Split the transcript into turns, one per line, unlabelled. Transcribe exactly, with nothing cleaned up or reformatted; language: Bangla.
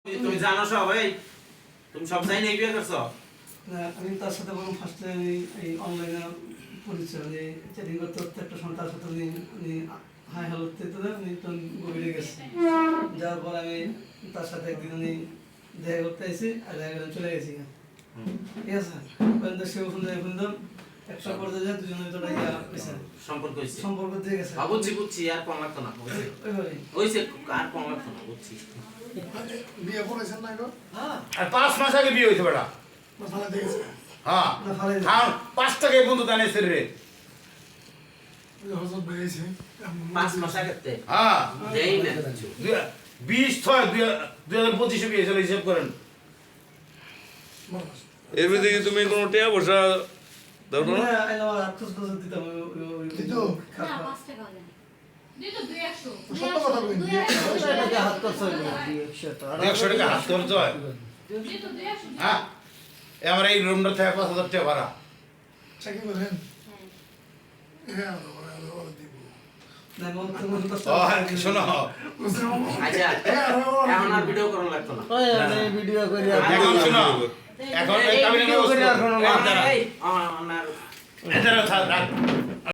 তুমি জানো সব এই তুমি সব জানি এই বিয়ে করছো
না আমি তার সাথে বললাম ফার্স্টে আমি এই অনলাইনে পরিচয় যে চ্যাটিং করতে করতে একটা সময় তার সাথে উনি উনি হাই হ্যালো দিতে উনি একটু গভীরে গেছে যাওয়ার পর আমি তার সাথে একদিন উনি দেখা করতে এসেছি আর দেখা করে চলে গেছি ঠিক আছে ওখানে সে ওখানে ওখানে একটা পর্যায়ে যায় দুজনের ভিতরে ইয়া হয়েছে
সম্পর্ক হইছে
সম্পর্ক দিয়ে গেছে
হ্যাঁ বুঝছি বুঝছি আর কোন লাগতো না হইছে
ওইভাবে
হইছে আর কোন লাগতো না বুঝছি
বিয়ে করেছেন না গো?
আর পাঁচ মাস আগে বিয়ে হয়েছে বেটা
না ফালা দিয়েছে।
হ্যাঁ
না ফালাই
হ্যাঁ পাঁচ টাকা বন্ধু দানে রে
ওই যে হজরত বেরিয়েছে।
পাঁচ মাস আগেতে
হ্যাঁ
দেই না কিছু
দুই- বিশ ছয় দুই দুই হাজার পঁচিশে বিয়ে চলে হিসেব করেন
বলো।
এর ভিতরে কি তুমি কোনো টিয়া বসা দাও না?
না আইলা আটশো টাকা দিতাম ওই ওই- ওই
দিত?
খারাপ
না, পাঁচ টাকা হবে না। দিত দুই একশো।
তো সত্য কথা বলেন,
দুই
দুই
একশো,
একশো
দুই
টাকা
একশো,
হাত খরচ হয় না,
দুই
দুই
একশো।
একশো টাকা হাত খরচ হয়
দিত দুই একশো।
হ্যাঁ এ আমার এই রুমটা থেকে পাঁচ হাজার টাকা ভাড়া
চাকরি করেন?
হ্যাঁ।
হ্যাঁ, ওরা- ওরা- ওরা দিব।
না মন তো মন তো
ও হ্যাঁ শোনো
বুঝতে পারবো?
আচ্ছা
হ্যাঁ, ওরা- ওরা
এখন আর
দিব।
ভিডিও করা লাগতো না
ভিডিও করে
এখন শোনো এখন এই
এই
কাবিনের
ভিডিও করে
ব্যবস্থা-
আর কোনো
এই দাঁড়া,
এই আমার
এই দাঁড়া, থাক, রাখ।